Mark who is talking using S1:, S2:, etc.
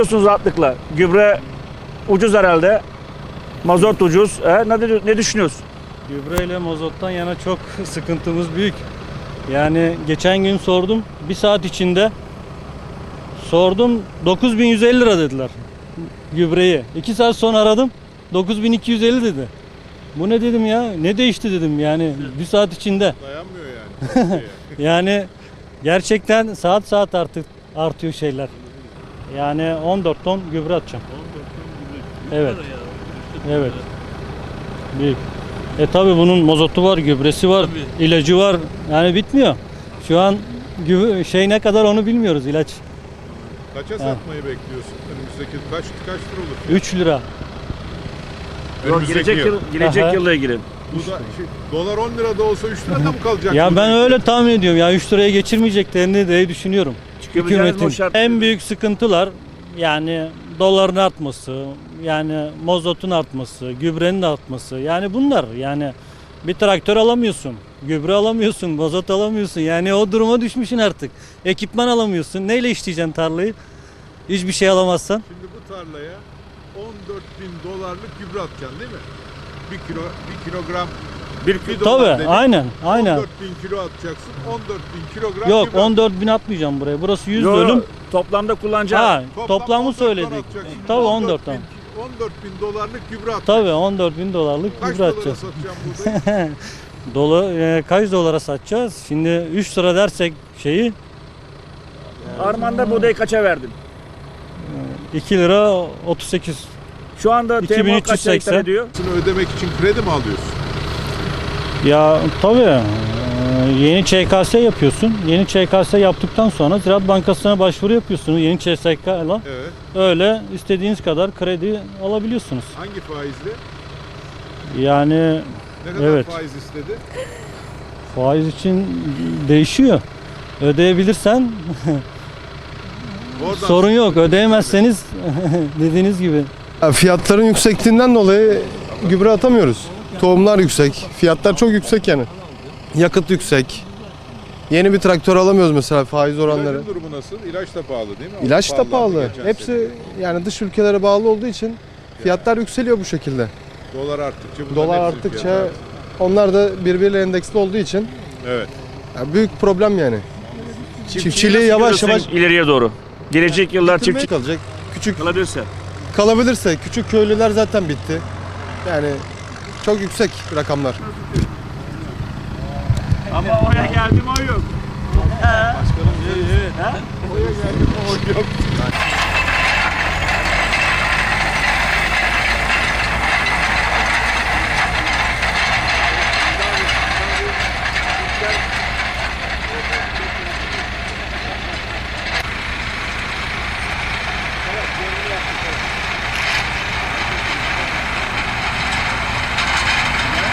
S1: musunuz rahatlıkla? Gübre ucuz herhalde. Mazot ucuz. Ne düşünüyorsun?
S2: Gübre ile mazottan yana çok sıkıntımız büyük. Yani geçen gün sordum. Bir saat içinde sordum. 9.150 lira dediler gübreyi. 2 saat sonra aradım. 9.250 dedi. Bu ne dedim ya? Ne değişti dedim yani bir saat içinde.
S3: Dayanmıyor yani.
S2: Yani gerçekten saat artıyor şeyler. Yani 14 ton gübre atacağım. Evet. Evet. Büyük. Tabi bunun mazotu var, gübresi var, ilacı var. Yani bitmiyor. Şu an ne kadar onu bilmiyoruz ilaç.
S3: Kaça satmayı bekliyorsun? Önümüzdeki kaç lira olur?
S2: 3 lira.
S1: Gelecek yılla ilgili.
S3: Bu da dolar 10 lira da olsa 3 lirada mı kalacak?
S2: Ya ben öyle tahmin ediyorum ya 3 liraya geçirmeyeceklerini de düşünüyorum. Hükümetin en büyük sıkıntılar yani doların artması, yani mazotun artması, gübrenin artması. Yani bunlar yani bir traktör alamıyorsun, gübre alamıyorsun, mazot alamıyorsun. Yani o duruma düşmüşsün artık. Ekipman alamıyorsun. Neyle işleyeceksin tarlayı? Hiçbir şey alamazsan.
S3: Şimdi bu tarlaya 14.000 dolarlık gübre atacaksın değil mi? 1 kilogram.
S2: Tabii aynen.
S3: 14.000 kilo atacaksın. 14.000 kilogram
S2: Yok
S3: gübre.
S2: 14.000 atmayacağım buraya. Burası 100 dönüm.
S1: Toplamda kullanacağım.
S2: Toplamı söyledik. Tabii 14 tane.
S3: 14.000 dolarlık gübre atacaksın.
S2: Tabii 14.000 dolarlık
S3: Kaç
S2: gübre
S3: dolara
S2: atacağız.
S3: satacağım burada?
S2: Kaç dolara satacağız? Şimdi 3 lira dersek şeyi
S1: Armanda buğdayı kaça verdin?
S2: 2 lira 38.
S1: Şu anda TMO kaç
S2: 2380.
S1: hektar ediyor?
S3: Bunu ödemek için kredi mi alıyorsun?
S2: Ya tabii yeni ÇKS yapıyorsun. Yeni ÇKS yaptıktan sonra Ziraat Bankası'na başvuru yapıyorsunuz. Yeni ÇSK'la
S3: Evet.
S2: öyle istediğiniz kadar kredi alabiliyorsunuz.
S3: Hangi faizle?
S2: Yani
S3: Ne kadar
S2: evet.
S3: faiz istedi?
S2: Faiz için değişiyor. Ödeyebilirsen
S3: Oradan
S2: sorun yok. Ödeyemezseniz dediğiniz gibi.
S4: Fiyatların yüksekliğinden dolayı gübre atamıyoruz. Tohumlar yüksek, fiyatlar çok yüksek yani. Yakıt yüksek. Yeni bir traktör alamıyoruz mesela faiz oranları.
S3: İlacın durumu nasıl? İlaç da pahalı değil mi?
S4: İlaç da
S3: Pahalandı
S4: pahalı.
S3: geçen
S4: Hepsi
S3: sene.
S4: yani dış ülkelere bağlı olduğu için fiyatlar yükseliyor bu şekilde.
S3: Dolar arttıkça bunların
S4: Dolar
S3: hepsinin
S4: arttıkça
S3: fiyatı artıyor.
S4: onlar da birbiriyle endeksli olduğu için
S3: Evet.
S4: yani büyük problem yani. Çiftçiliği
S1: nasıl
S4: yavaş
S1: görüyorsun
S4: yavaş
S1: ileriye doğru. Gelecek yıllar
S4: bitirmeye
S1: çiftçi
S4: kalacak. Küçük
S1: kalabilirse.
S4: kalabilirse küçük köylüler zaten bitti. Yani çok yüksek rakamlar.
S1: Ama oraya geldim o yok.
S2: Evet.
S3: Oya geldim o yok.